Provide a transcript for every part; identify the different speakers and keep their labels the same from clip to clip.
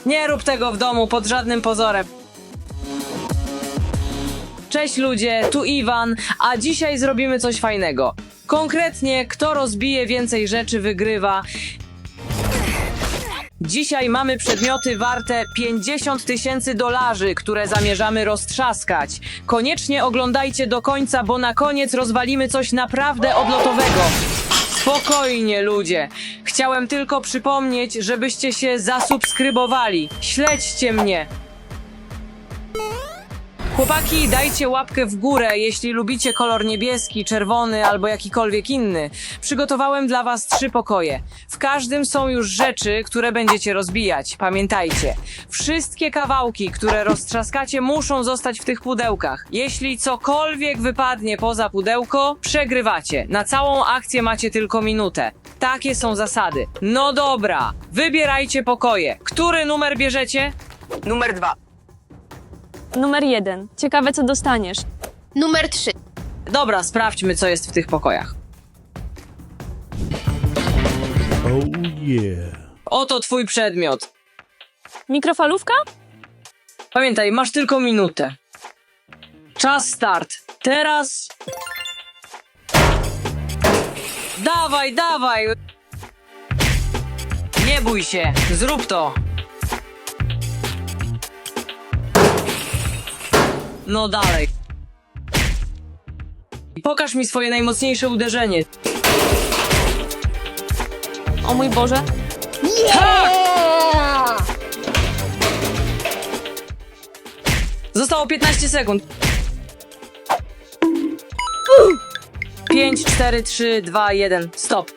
Speaker 1: Nie rób tego w domu pod żadnym pozorem. Cześć ludzie, tu Iwan, a dzisiaj zrobimy coś fajnego. Konkretnie, kto rozbije więcej rzeczy, wygrywa. Dzisiaj mamy przedmioty warte 50 000 $, które zamierzamy roztrzaskać. Koniecznie oglądajcie do końca, bo na koniec rozwalimy coś naprawdę odlotowego. Spokojnie ludzie. Chciałem tylko przypomnieć, żebyście się zasubskrybowali. Śledźcie mnie. Chłopaki, dajcie łapkę w górę, jeśli lubicie kolor niebieski, czerwony albo jakikolwiek inny. Przygotowałem dla was 3 pokoje. W każdym są już rzeczy, które będziecie rozbijać. Pamiętajcie, wszystkie kawałki, które roztrzaskacie, muszą zostać w tych pudełkach. Jeśli cokolwiek wypadnie poza pudełko, przegrywacie. Na całą akcję macie tylko minutę. Takie są zasady. No dobra, wybierajcie pokoje. Który numer bierzecie?
Speaker 2: Numer 2.
Speaker 3: Numer 1. Ciekawe, co dostaniesz.
Speaker 4: Numer 3.
Speaker 1: Dobra, sprawdźmy, co jest w tych pokojach.
Speaker 5: Oh yeah.
Speaker 1: Oto twój przedmiot.
Speaker 3: Mikrofalówka?
Speaker 1: Pamiętaj, masz tylko minutę. Czas start. Teraz... Dawaj, dawaj! Nie bój się, zrób to. No dalej. Pokaż mi swoje najmocniejsze uderzenie.
Speaker 3: O mój Boże.
Speaker 1: Zostało 15 sekund. 5, 4, 3, 2, 1. Stop.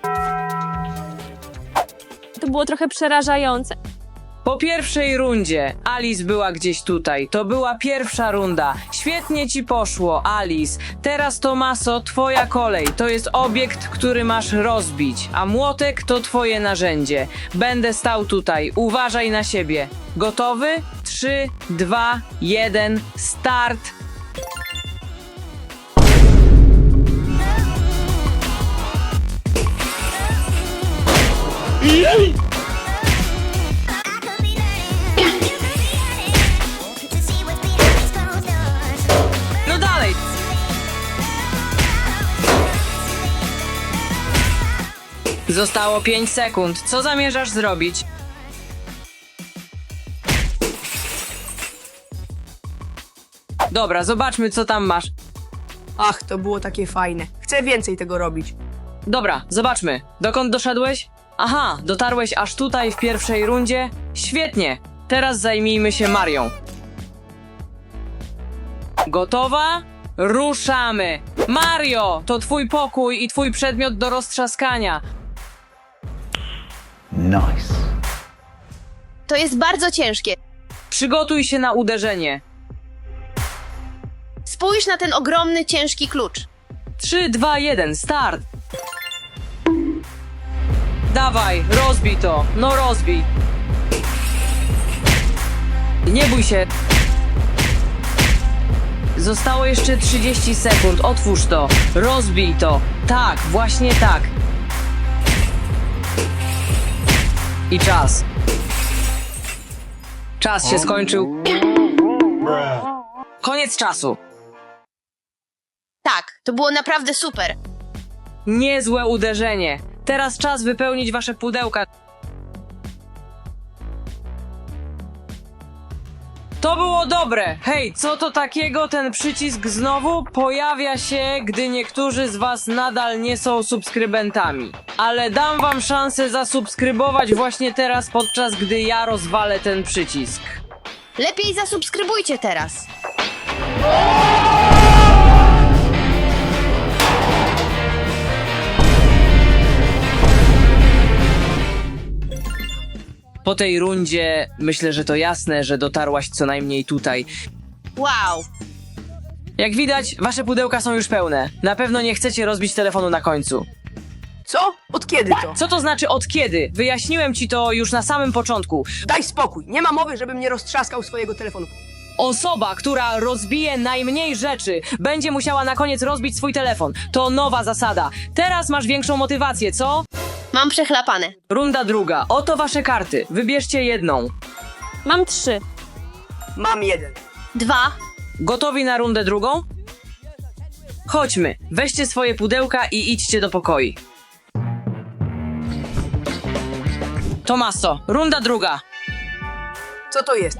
Speaker 3: To było trochę przerażające.
Speaker 1: Po pierwszej rundzie Alice była gdzieś tutaj. To była pierwsza runda. Świetnie ci poszło, Alice. Teraz, Tomaso, twoja kolej. To jest obiekt, który masz rozbić, a młotek to twoje narzędzie. Będę stał tutaj. Uważaj na siebie. Gotowy? 3, 2, 1. Start! No dalej! Zostało 5 sekund. Co zamierzasz zrobić? Dobra, zobaczmy, co tam masz.
Speaker 2: Ach, to było takie fajne. Chcę więcej tego robić.
Speaker 1: Dobra, zobaczmy. Dokąd doszedłeś? Aha, dotarłeś aż tutaj w pierwszej rundzie? Świetnie! Teraz zajmijmy się Marią. Gotowa? Ruszamy! Mario! To twój pokój i twój przedmiot do roztrzaskania.
Speaker 5: Nice.
Speaker 4: To jest bardzo ciężkie.
Speaker 1: Przygotuj się na uderzenie.
Speaker 4: Spójrz na ten ogromny, ciężki klucz.
Speaker 1: 3, 2, 1, start! Dawaj, rozbij to! No rozbij! Nie bój się! Zostało jeszcze 30 sekund, otwórz to! Rozbij to! Tak, właśnie tak! I czas. Czas się skończył. Koniec czasu.
Speaker 4: Tak, to było naprawdę super.
Speaker 1: Niezłe uderzenie. Teraz czas wypełnić wasze pudełka. To było dobre. Hej, co to takiego? Ten przycisk znowu pojawia się, gdy niektórzy z was nadal nie są subskrybentami. Ale dam wam szansę zasubskrybować właśnie teraz, podczas gdy ja rozwalę ten przycisk.
Speaker 4: Lepiej zasubskrybujcie teraz.
Speaker 1: Po tej rundzie myślę, że to jasne, że dotarłaś co najmniej tutaj.
Speaker 4: Wow.
Speaker 1: Jak widać, wasze pudełka są już pełne. Na pewno nie chcecie rozbić telefonu na końcu.
Speaker 2: Co? Od kiedy to?
Speaker 1: Co to znaczy od kiedy? Wyjaśniłem ci to już na samym początku.
Speaker 2: Daj spokój. Nie ma mowy, żebym nie roztrzaskał swojego telefonu.
Speaker 1: Osoba, która rozbije najmniej rzeczy, będzie musiała na koniec rozbić swój telefon. To nowa zasada. Teraz masz większą motywację, co?
Speaker 4: Mam przechlapane.
Speaker 1: Runda druga. Oto wasze karty. Wybierzcie jedną.
Speaker 3: Mam 3.
Speaker 2: Mam 1.
Speaker 4: 2.
Speaker 1: Gotowi na rundę drugą? Chodźmy, weźcie swoje pudełka i idźcie do pokoi. Tomaso, runda druga.
Speaker 2: Co to jest?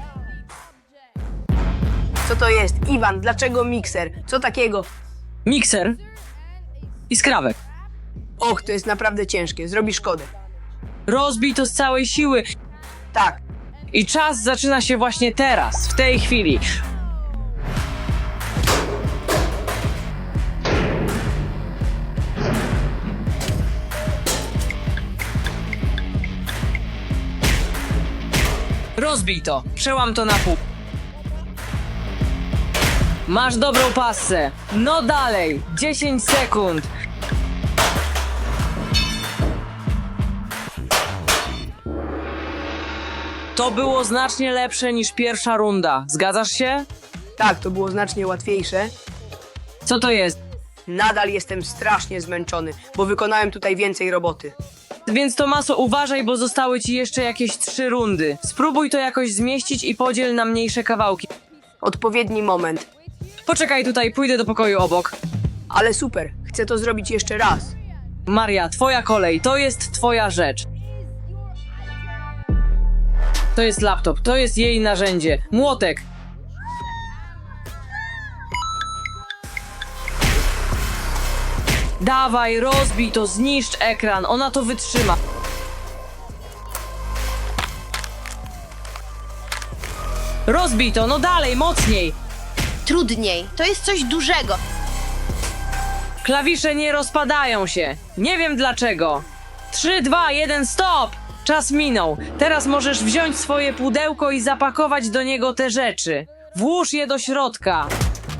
Speaker 2: Co to jest? Iwan, dlaczego mikser? Co takiego?
Speaker 1: Mikser i skrawek.
Speaker 2: Och, to jest naprawdę ciężkie. Zrobi szkodę.
Speaker 1: Rozbij to z całej siły
Speaker 2: Tak.
Speaker 1: i czas zaczyna się właśnie teraz, w tej chwili. Rozbij to, przełam to na pół. Masz dobrą passę. No dalej, 10 sekund. To było znacznie lepsze niż pierwsza runda. Zgadzasz się?
Speaker 2: Tak, to było znacznie łatwiejsze.
Speaker 1: Co to jest?
Speaker 2: Nadal jestem strasznie zmęczony, bo wykonałem tutaj więcej roboty.
Speaker 1: Więc Tomaso, uważaj, bo zostały ci jeszcze jakieś 3 rundy. Spróbuj to jakoś zmieścić i podziel na mniejsze kawałki.
Speaker 2: Odpowiedni moment.
Speaker 1: Poczekaj tutaj, pójdę do pokoju obok.
Speaker 2: Ale super, chcę to zrobić jeszcze raz.
Speaker 1: Maria, twoja kolej, to jest twoja rzecz. To jest laptop, to jest jej narzędzie. Młotek. Dawaj, rozbij to, zniszcz ekran, ona to wytrzyma. Rozbij to, no dalej, mocniej.
Speaker 4: Trudniej. To jest coś dużego.
Speaker 1: Klawisze nie rozpadają się. Nie wiem dlaczego. 3, 2, 1, stop! Czas minął. Teraz możesz wziąć swoje pudełko i zapakować do niego te rzeczy. Włóż je do środka.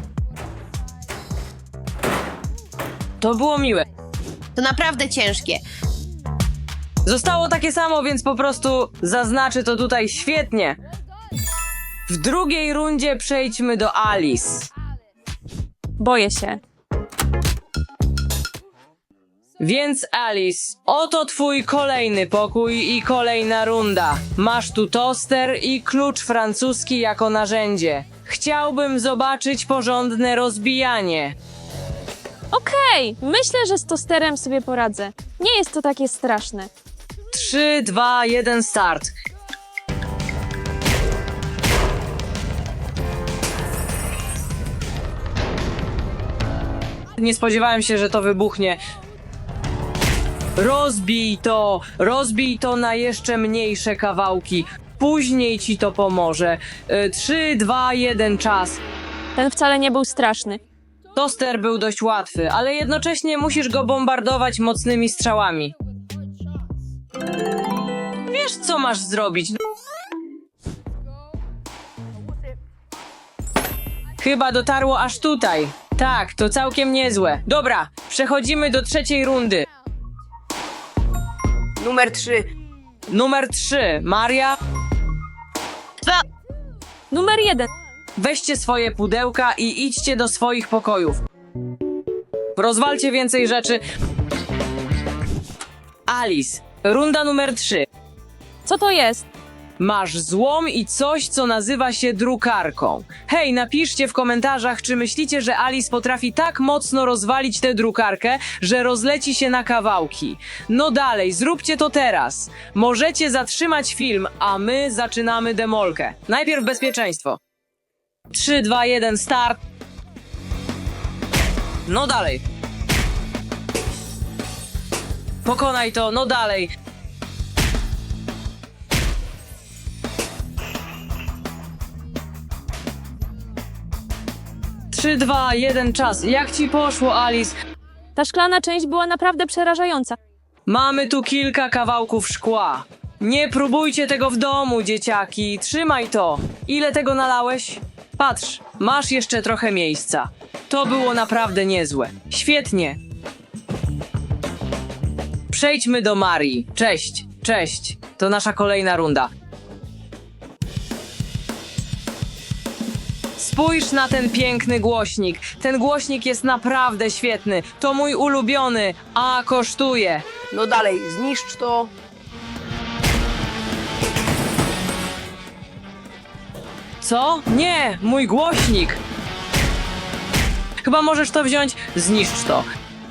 Speaker 1: To było miłe.
Speaker 4: To naprawdę ciężkie.
Speaker 1: Zostało takie samo, więc po prostu zaznaczę to tutaj świetnie. W drugiej rundzie przejdźmy do Alice.
Speaker 3: Boję się.
Speaker 1: Więc Alice, oto twój kolejny pokój i kolejna runda. Masz tu toster i klucz francuski jako narzędzie. Chciałbym zobaczyć porządne rozbijanie.
Speaker 3: Okej, myślę, że z tosterem sobie poradzę. Nie jest to takie straszne.
Speaker 1: 3, 2, 1, start. Nie spodziewałem się, że to wybuchnie. Rozbij to na jeszcze mniejsze kawałki. Później ci to pomoże. 3, 2, 1, czas.
Speaker 3: Ten wcale nie był straszny.
Speaker 1: Toster był dość łatwy, ale jednocześnie musisz go bombardować mocnymi strzałami. Wiesz, co masz zrobić. Chyba dotarło aż tutaj. Tak, to całkiem niezłe. Dobra, przechodzimy do trzeciej rundy.
Speaker 2: Numer 3.
Speaker 1: Numer 3. Maria,
Speaker 4: 2.
Speaker 3: Numer 1.
Speaker 1: weźcie swoje pudełka i idźcie do swoich pokojów. Rozwalcie więcej rzeczy. Alice, runda numer 3.
Speaker 3: Co to jest?
Speaker 1: Masz złom i coś, co nazywa się drukarką. Hej, napiszcie w komentarzach, czy myślicie, że Alice potrafi tak mocno rozwalić tę drukarkę, że rozleci się na kawałki. No dalej, zróbcie to teraz. Możecie zatrzymać film, a my zaczynamy demolkę. Najpierw bezpieczeństwo. 3, 2, 1, start. No dalej. Pokonaj to, no dalej. Trzy, 2, 1, czas. Jak ci poszło, Alice?
Speaker 3: Ta szklana część była naprawdę przerażająca.
Speaker 1: Mamy tu kilka kawałków szkła. Nie próbujcie tego w domu, dzieciaki. Trzymaj to. Ile tego nalałeś? Patrz, masz jeszcze trochę miejsca. To było naprawdę niezłe. Świetnie. Przejdźmy do Marii. Cześć, cześć. To nasza kolejna runda. Spójrz na ten piękny głośnik. Ten głośnik jest naprawdę świetny. To mój ulubiony, a kosztuje.
Speaker 2: No dalej, zniszcz to.
Speaker 1: Co? Nie, mój głośnik! Chyba możesz to wziąć, zniszcz to.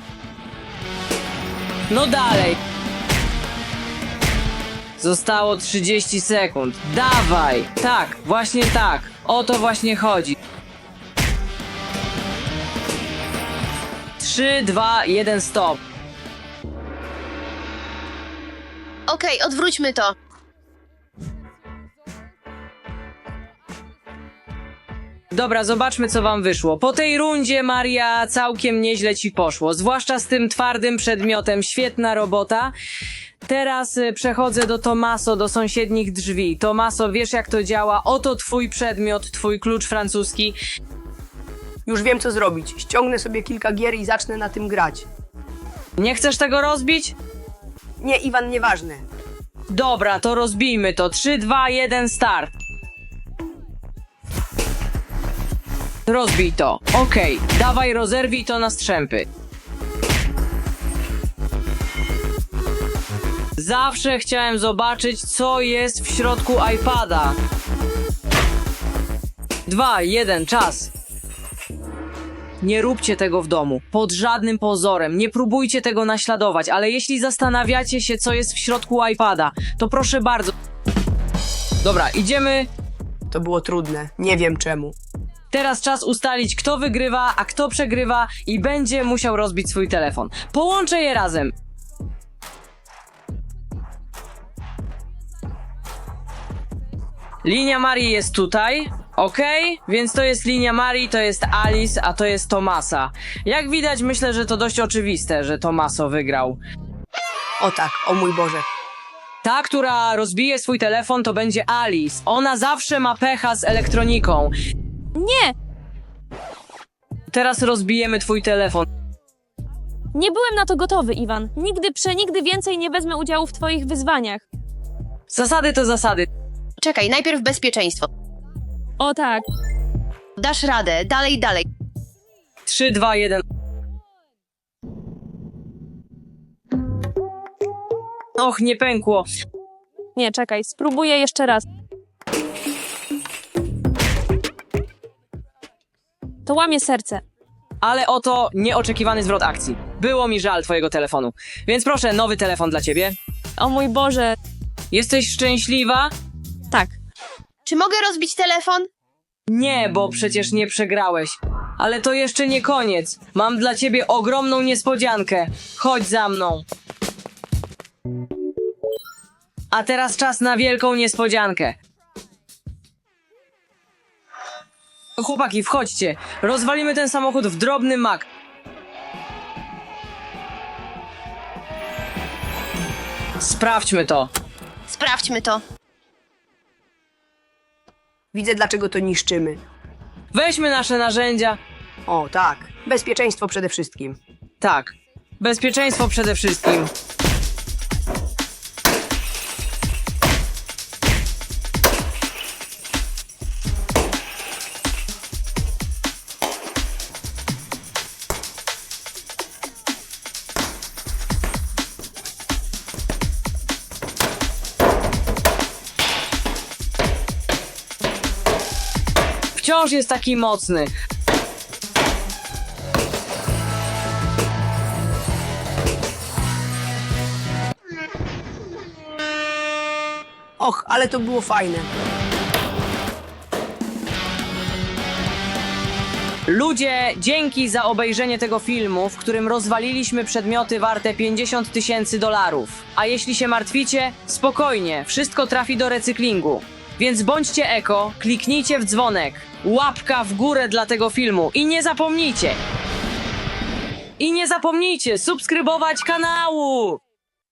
Speaker 1: No dalej. Zostało 30 sekund. Dawaj! Tak, właśnie tak. O to właśnie chodzi. 3, 2, 1, stop.
Speaker 4: Okej, odwróćmy to.
Speaker 1: Dobra, zobaczmy co wam wyszło. Po tej rundzie, Maria, całkiem nieźle ci poszło. Zwłaszcza z tym twardym przedmiotem. Świetna robota. Teraz przechodzę do Tomaso, do sąsiednich drzwi. Tomaso, wiesz jak to działa? Oto twój przedmiot, twój klucz francuski.
Speaker 2: Już wiem, co zrobić. Ściągnę sobie kilka gier i zacznę na tym grać.
Speaker 1: Nie chcesz tego rozbić?
Speaker 2: Nie, Iwan, nieważne.
Speaker 1: Dobra, to rozbijmy to. 3, 2, 1, start. Rozbij to. Okej, dawaj rozerwij to na strzępy. Zawsze chciałem zobaczyć, co jest w środku iPada. 2, 1, czas. Nie róbcie tego w domu. Pod żadnym pozorem. Nie próbujcie tego naśladować, ale jeśli zastanawiacie się, co jest w środku iPada, to proszę bardzo. Dobra, idziemy.
Speaker 2: To było trudne. Nie wiem czemu.
Speaker 1: Teraz czas ustalić, kto wygrywa, a kto przegrywa i będzie musiał rozbić swój telefon. Połączę je razem. Linia Marii jest tutaj, okej? Więc to jest linia Marii, to jest Alice, a to jest Tomasa. Jak widać, myślę, że to dość oczywiste, że Tomaso wygrał.
Speaker 2: O tak, o mój Boże.
Speaker 1: Ta, która rozbije swój telefon, to będzie Alice. Ona zawsze ma pecha z elektroniką.
Speaker 3: Nie,
Speaker 1: Teraz rozbijemy twój telefon.
Speaker 3: nie byłem na to gotowy, Iwan. Nigdy więcej nie wezmę udziału w twoich wyzwaniach.
Speaker 1: Zasady to zasady.
Speaker 4: Czekaj, najpierw bezpieczeństwo.
Speaker 3: O tak.
Speaker 4: Dasz radę, dalej, dalej.
Speaker 1: 3, 2, 1. Och, nie pękło.
Speaker 3: Nie, czekaj, spróbuję jeszcze raz. To łamie serce.
Speaker 1: Ale oto nieoczekiwany zwrot akcji. Było mi żal twojego telefonu. Więc proszę, nowy telefon dla ciebie.
Speaker 3: O mój Boże.
Speaker 1: Jesteś szczęśliwa?
Speaker 3: Tak.
Speaker 4: Czy mogę rozbić telefon?
Speaker 1: Nie, bo przecież nie przegrałeś. Ale to jeszcze nie koniec. Mam dla ciebie ogromną niespodziankę. Chodź za mną. A teraz czas na wielką niespodziankę. Chłopaki, wchodźcie. Rozwalimy ten samochód w drobny mak. Sprawdźmy to.
Speaker 4: Sprawdźmy to.
Speaker 2: Widzę, dlaczego to niszczymy.
Speaker 1: Weźmy nasze narzędzia.
Speaker 2: O tak, bezpieczeństwo przede wszystkim.
Speaker 1: Tak. Bezpieczeństwo przede wszystkim. Wciąż jest taki mocny.
Speaker 2: Och, ale to było fajne.
Speaker 1: Ludzie, dzięki za obejrzenie tego filmu, w którym rozwaliliśmy przedmioty warte $50,000. A jeśli się martwicie, spokojnie, wszystko trafi do recyklingu. Więc bądźcie eko, kliknijcie w dzwonek, łapka w górę dla tego filmu i nie zapomnijcie subskrybować kanału!